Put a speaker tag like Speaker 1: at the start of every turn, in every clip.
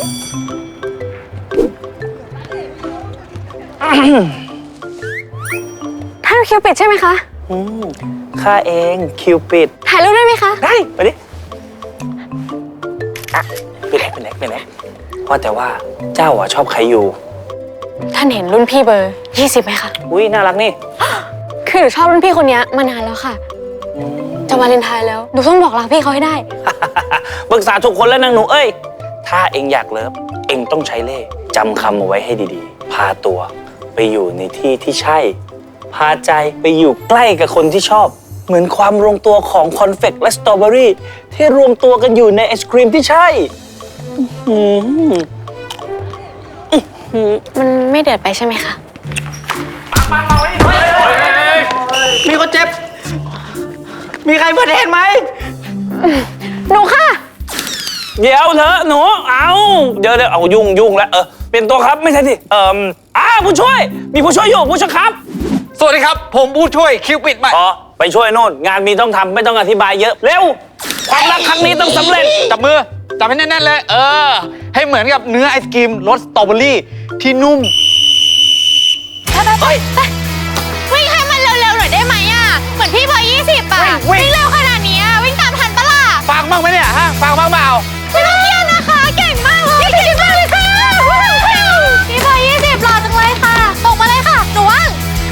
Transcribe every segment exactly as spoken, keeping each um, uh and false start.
Speaker 1: ท่านคิวปิดใช่ไหมคะ
Speaker 2: อืมข้าเองคิวปิด
Speaker 1: ถ่ายรูปได้ไหมคะ
Speaker 2: ได้ไปดิไปไหนไปไหนไปไหนเพราะแต่ว่าเจ้าอะชอบใครอยู่
Speaker 1: ท่านเห็นรุ่นพี่เบอร์ยี่สิบไหมคะ
Speaker 2: อุ้ยน่ารักนี่
Speaker 1: คือหนูชอบรุ่นพี่คนนี้มานานแล้วค่ะจะวาเลนไทน์แล้วหนูต้องบอกรักพี่เขาให้ได้
Speaker 2: ปรึกษาทุกคนแล้วนางหนูเอ้ยถ้าเองอยากเลิฟเองต้องใช้เล่ห์จำคำเอาไว้ให้ดีๆพาตัวไปอยู่ในที่ที่ใช่พาใจไปอยู่ใกล้กับคนที่ชอบเหมือนความรวมตัวของคอนเฟกต์และสตรอเบอรี่ที่รวมตัวกันอยู่ในไอศครีมที่ใช่
Speaker 1: มันไม่เดือดไปใช่ไหมคะ
Speaker 2: มีคนเจ็บมีใครเปิดเห็นไหม
Speaker 1: หนูค่ะ
Speaker 2: เดี๋ยวเถอะหนูเอาเดี๋ยวเดี๋ยวเอายุ่งยุ่งแล้วเออเป็นตัวครับไม่ใช่สิเอ่ออ่าผู้ช่วยมีผู้ช่วยอยู่ผู้ช่วยครับ
Speaker 3: สวัสดีครับผมผู้ช่วยคิวปิดใหม่
Speaker 2: อ๋อไปช่วยโน่นงานมีต้องทำไม่ต้องอธิบายเยอะเร็วความรักครั้งนี้ต้องสำเร็จ
Speaker 3: จับมือจับให้แน่นๆเลยเออให้เหมือนกับเนื้อไอศกรีมรสสตรอเบอรี่ที่นุ่ม
Speaker 1: ไปไปไปวิ่งให้มันเร็วๆหน่อยได้ไหมอ่ะเหมือนพี่เบอร์ยี่สิบอ่ะวิ่งเร็วขนาดนี้วิ่งตามทันปะล่ะ
Speaker 3: ฟังบ้างไหมเนี่ยฮะฟังบ้างเปล่า
Speaker 1: ไม่ต้องเครียดนะคะเก่งมากเลยเก่งมากเลยค่ะพี่เบอร์ยี่สิบหล่อจังเลยค่ะตกมาเลยค่ะหนูว่าง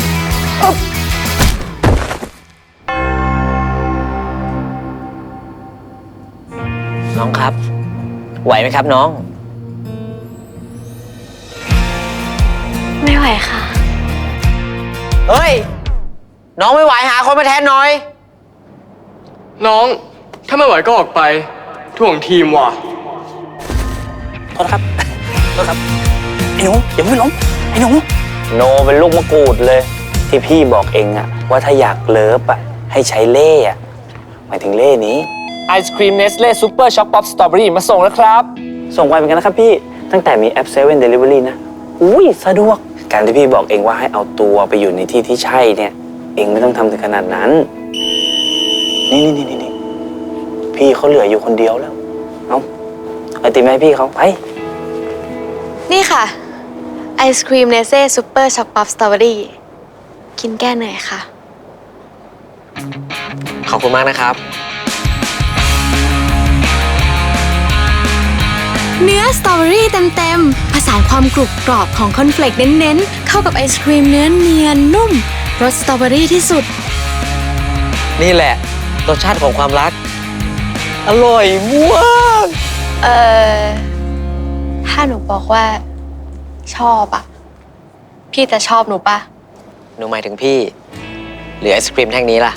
Speaker 4: น้องครับไหวไหมครับน้อง
Speaker 1: ไม่ไหวค่ะ
Speaker 4: เฮ้ยน้องไม่ไหวหาคนมาแทนหน่อย
Speaker 5: น้องถ้าไม่ไหวก็ออกไปถ่วงทีมว่ะ
Speaker 2: โทษครับโทษครับไอ้หนูอย่าเพิ่งล้มไอ้หนูโนเป็นลูกมะกรูดเลยที่พี่บอกเองอะว่าถ้าอยากเลิฟอะให้ใช้เล่อะหมายถึงเล่นี้
Speaker 6: ไอศครีมเนสเล่ซูเปอร์ช็อกป๊อปสตรอเบอรี่มาส่งแล้วครับ
Speaker 2: ส่งไวเหมือนกันนะครับพี่ตั้งแต่มีแอปเซเว่นเดลิเวอรี่นะอุ้ยสะดวกการที่พี่บอกเองว่าให้เอาตัวไปอยู่ในที่ที่ใช่เนี่ยเองไม่ต้องทำถึงขนาดนั้นนี่นี่นี่นี่พี่เขาเหลืออยู่คนเดียวแล้วเอาไอติมให้พี่เขาไป
Speaker 1: นี่ค่ะไอศครีมเนสเล่ซูเปอร์ช็อกป๊อปสตรอเบอรี่กินแก้เหนื่อยค่ะ
Speaker 4: ขอบคุณมากนะครับ
Speaker 7: เนื้อสตรอเบอรี่เต็มๆผสานความกรุบกรอบของคอนเฟลกเน้นๆเข้ากับไอศครีมเนื้อเนียนนุ่มรสสตรอเบอรี่ที่สุด
Speaker 4: นี่แหละรสชาติของความรักอร่อยมาก
Speaker 1: เอ่อถ้าหนูบอกว่าชอบอะพี่จะชอบหนูปะ
Speaker 4: หนูหมายถึงพี่หรือไอศครีมแท่งนี้ล่ะ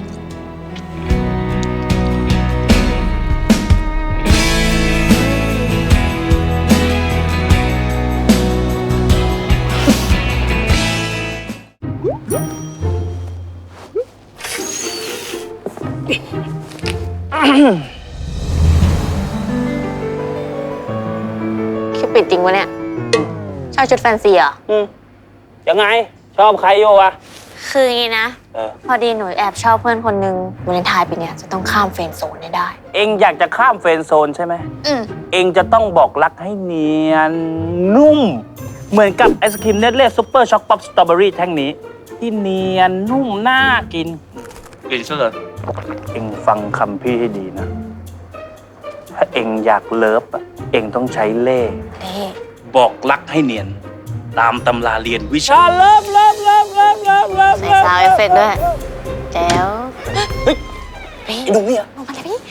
Speaker 1: คิวปิดจริงวะเนี่ยชอบชุดแฟนซีเหรอ
Speaker 2: อืมยังไงชอบใครโยวะ
Speaker 1: คืออย่างนี้นะพอดีหนูแอบชอบเพื่อนคนนึงวาเลนไทน์ปีนี้จะต้องข้ามเฟรนด์โซนให้ได้
Speaker 2: เองอยากจะข้ามเฟรนด์โซนใช่ไหม
Speaker 1: อืม
Speaker 2: เองจะต้องบอกรักให้เนียนนุ่มเหมือนกับไอศครีมเนสเล่ซูเปอร์ช็อกป๊อปสตรอเบอรี่แท่งนี้ที่เนียนนุ่มน่ากินกินซะเลยเองฟังคำพี่ให้ดีนะถ้าเองอยากเลิฟอะเองต้องใช้เล่ห์บอกรักให้เนียนตามตำราเรียนวิชาเลิฟเลิฟเลิฟเลิฟเลิฟเลิฟ
Speaker 1: ใส่ซาวเอฟเฟกต์ด้วยแจ๋ว
Speaker 2: เฮ้ยไอ้หนุ่มเนี่ย
Speaker 1: ลงมาเลยพี่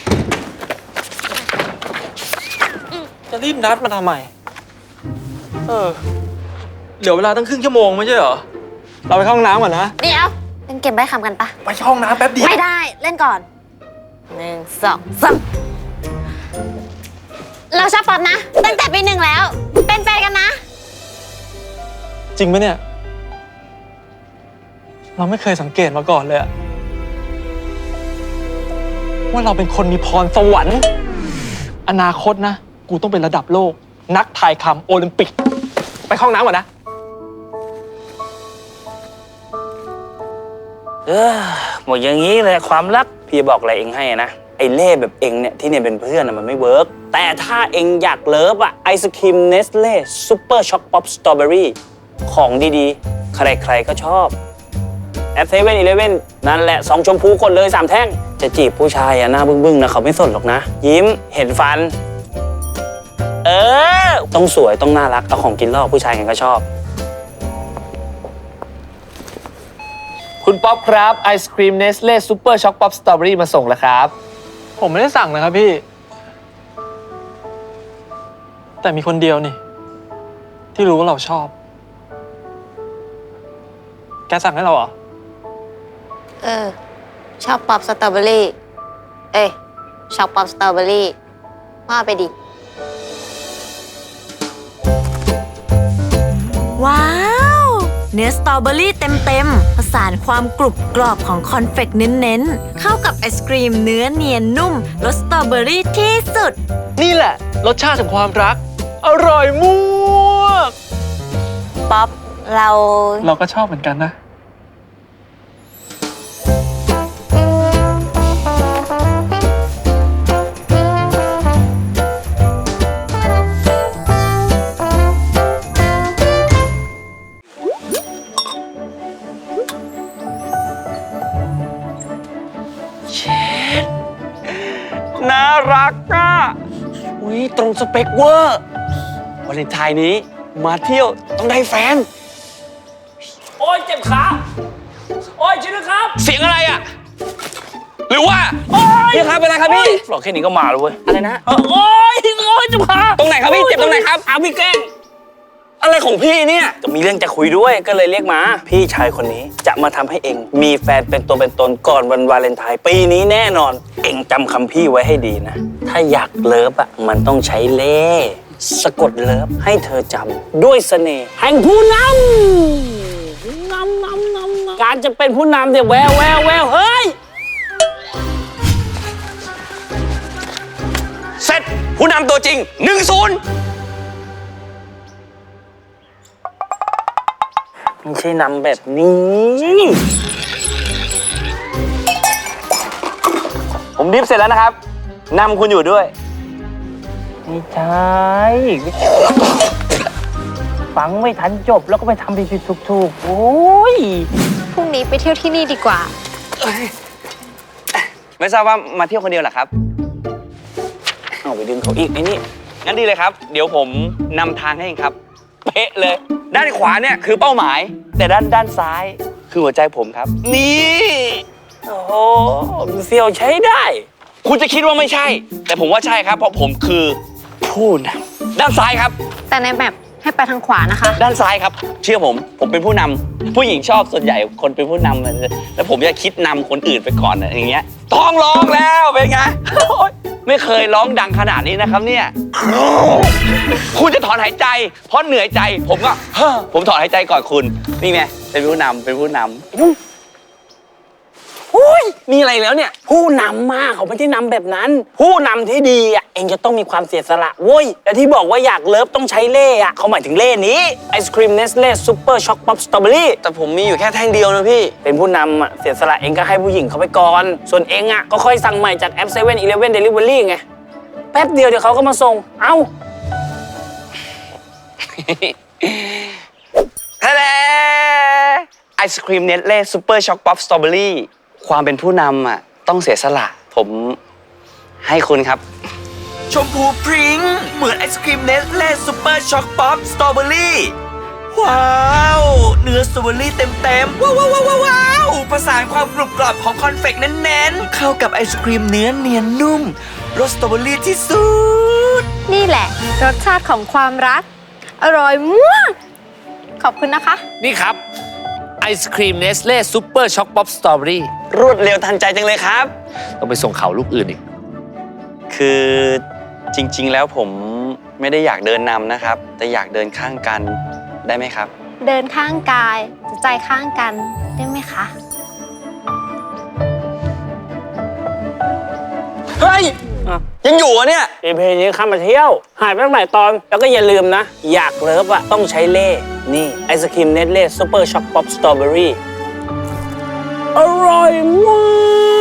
Speaker 5: จะรีบนัดมาทำไมเออเหลือเวลาตั้งครึ่งชั่วโมงไม่ใช่เหรอเราไปเข้าห้องน้ำก่อนนะ
Speaker 1: เดี๋ยวเล่นเกมใบ้คำกันปะ
Speaker 5: ไปห้องน้ำแป๊บเดียว
Speaker 1: ไม่ได้เล่นก่อนหนึ่งสองสามเราชอบป๊อปนะตั้งแต่ปีหนึ่งแล้วเป็นแฟนกันนะ
Speaker 5: จริงไหมเนี่ยเราไม่เคยสังเกตมาก่อนเลยอะว่าเราเป็นคนมีพรสวรรค์อนาคตนะกูต้องเป็นระดับโลกนักถ่ายคำโอลิมปิกไปห้องน้ำก่อนนะ
Speaker 2: เออหมดอย่างนี้เลยความรักพี่บอกอะไรเองให้นะไอ้เล่แบบเองเนี่ยที่เนี่ยเป็นเพื่อนอะมันไม่เวิร์กแต่ถ้าเองอยากเลิฟอะไอศครีมเนสเล่ซูเปอร์ช็อกป๊อปสตรอเบอรี่ของดีๆ ใครๆก็ชอบแอปเซเว่นอีเลฟเว่นนั่นแหละสองชมพูกดเลยสามแท่งจะจีบผู้ชายอะหน้าบึ้งๆนะเขาไม่สนหรอกนะ ยิ้มเห็นฟัน เออ ต้องสวยต้องน่ารักเอาของกินล่อผู้ชายกันก็ชอบ
Speaker 6: คุณป๊อปครับไอศครีมเนสเล่ซูเปอร์ช็อกป๊อปสตรอเบอรี่มาส่งแล้วครับ
Speaker 5: ผมไม่ได้สั่งนะครับพี่ แต่มีคนเดียวนี่ ที่รู้ว่าเราชอบ แกสั่งให้เราเหรอ
Speaker 1: เออ ชอบป๊อปสตรอเบอรี่ เอ้ยชอบป๊อปสตรอเบอรี่ว่าไปดิ
Speaker 7: ว้าว เนื้อสตรอเบอรี่เต็มๆผสานความกรุบกรอบของคอนเฟกต์เน้นๆ เข้ากับไอศกรีมเนื้อเนียนนุ่มรสสตรอเบอรี่ที่สุด
Speaker 5: นี่แหละ รสชาติของความรัก อร่อยมาก
Speaker 1: ป๊อปเรา
Speaker 5: เราก็ชอบเหมือนกันนะ
Speaker 2: น่ารักอ่ะอุ้ยตรงสเปคเวอร์วาเลนไทน์นี้มาเที่ยวต้องได้แฟน โอ้ยเจ็บขา โอ้ยช่วยด้วยครับ
Speaker 3: เสียงอะไรอ่ะ หรือว่า
Speaker 2: โอ้ย
Speaker 3: พี่ครับเป็นไรครับพี่
Speaker 2: หลอกแค่นี้ก็มาแล้วเว้ย
Speaker 3: อะไรนะ
Speaker 2: โอ้ยโอ้ยเจ็บขา
Speaker 3: ตรงไหนครับพี่เจ็บตรงไหนครับ
Speaker 2: เอาพี่แกล้ง
Speaker 3: อะไรของพี่เนี่ย
Speaker 2: ก็มีเรื่องจะคุยด้วยก็เลยเรียกมา พี่ชายคนนี้จะมาทำให้เองมีแฟนเป็นตัวเป็นตนก่อนวันวาเลนไทน์ปีนี้แน่นอน เองจำคำพี่ไว้ให้ดีนะ ถ้าอยากเลิฟอ่ะมันต้องใช้เล่ห์สะกดเลิฟให้เธอจำด้วยเสน่ห์แห่งผู้นำนำนำนำการจะเป็นผู้นำเนี่ยแววแววแววเฮ้ย
Speaker 3: เสร็จผู้นำตัวจริงหนึ่งศูนย์
Speaker 2: ไม่ใช่นำแบบนี้
Speaker 3: ผมดิฟเสร็จแล้วนะครับนำคุณอยู่ด้วย
Speaker 2: ไม่ใช่ฟังไม่ทันจบแล้วก็ไปทำผิดๆถูกๆโอ้ย
Speaker 1: พรุ่งนี้ไปเที่ยวที่นี่ดีกว่า
Speaker 3: ไม่ทราบว่ามาเที่ยวคนเดียวเหรอครับ
Speaker 2: เอาไปดึงเขาอีกไอ้นี่
Speaker 3: งั้นดีเลยครับ เดี๋ยวผมนำทางให้เองครับ เป๊ะเลย ด้านขวาเนี่ยคือเป้าหมาย แต่ด้านด้านซ้ายคือหัวใจผมครับ นี่
Speaker 2: โอ้โหเซียวใช้ได้
Speaker 3: คุณจะคิดว่าไม่ใช่ แต่ผมว่าใช่ครับ เพราะผมคือผู้นำด้านซ้ายครับ
Speaker 1: แต่ในแบบให้ไปทางขวานะคะ
Speaker 3: ด้านซ้ายครับ เชื่อผม ผมเป็นผู้นำผู้หญิงชอบส่วนใหญ่คนเป็นผู้นำมันแล้วผมจะคิดนำคนอื่นไปก่อนนะอย่างเงี้ยต้องร้องแล้วเป็นไงโอ๊ยไม่เคยร้องดังขนาดนี้นะครับเนี่ยคุณจะถอนหายใจ เพราะเหนื่อยใจ ผมก็เฮ้อผมถอนหายใจก่อนคุณนี่ไงเป็นผู้นำเป็นผู้นำ
Speaker 2: อุ้ยมีอะไรแล้วเนี่ย ผู้นำมากเขาไม่ได้นำแบบนั้น ผู้นำที่ดีอ่ะเองจะต้องมีความเสียสละเว้ยแต่ที่บอกว่าอยากเลิฟต้องใช้เล่ห์อ่ะเขาหมายถึงเล่ห์นี้ไอศครีมเนสเล่ซูเปอร์ช็อกป๊อปสตรอเบอรี่
Speaker 3: แต่ผมมีอยู่แค่แท่งเดียวนะพี่
Speaker 2: เป็นผู้นำอ่ะเสียสละเองก็ให้ผู้หญิงเขาไปก่อน ส่วนเองอ่ะก็ค่อยสั่งใหม่จากแอปเซเว่นอีเลฟเว่นเดลิเวอรี่ไงแป๊บเดียวเดี๋ยวเขาก็มาส่งเอ้า
Speaker 3: ทะเลไอศครีมเนสเล่ซูเปอร์ช็อกป๊อปสตรอเบอรี่ความเป็นผู้นำอ่ะต้องเสียสละผมให้คุณครับ
Speaker 8: ชมพูพริ้งเหมือนไอศครีมเนสเล่ซูเปอร์ช็อกป๊อปสตรอเบอรี่ว้าวเนื้อสตรอเบอรี่เต็มๆว้าวว้าวว้าวว้าวประสานความกรุบกรอบของคอนเฟกต์แน่นๆเข้ากับไอศครีมเนื้อเนียนนุ่มรสสตรอเบอรี่ที่สุด
Speaker 1: นี่แหละ รสชาติของความรัก อร่อยมาก ขอบคุณนะคะ
Speaker 6: นี่ครับไอศครีมเนสเล่ซูเปอร์ช็อกป๊อปสตรอเบอรี่
Speaker 3: รวดเร็วทันใจจังเลยครับ
Speaker 6: ต้องไปส่งเขาลูกอื่นอีก
Speaker 3: คือจริงๆแล้วผมไม่ได้อยากเดินนำนะครับ แต่อยากเดินข้างกันได้ไหมครับ
Speaker 1: เดินข้างกายใจข้างกันได้ไหมคะ
Speaker 3: เฮ้ย ยังอยู่อ่ะเนี่ย
Speaker 2: เอเพนี้ข้ามมาเที่ยว หายไปตั้งหลายตอน แล้วก็อย่าลืมนะ อยากเลิฟอะต้องใช้เล่ห์นี่ ไอศครีมเนสเล่ซูเปอร์ช็อกป๊อปสตรอเบอรี่อร่อยมาก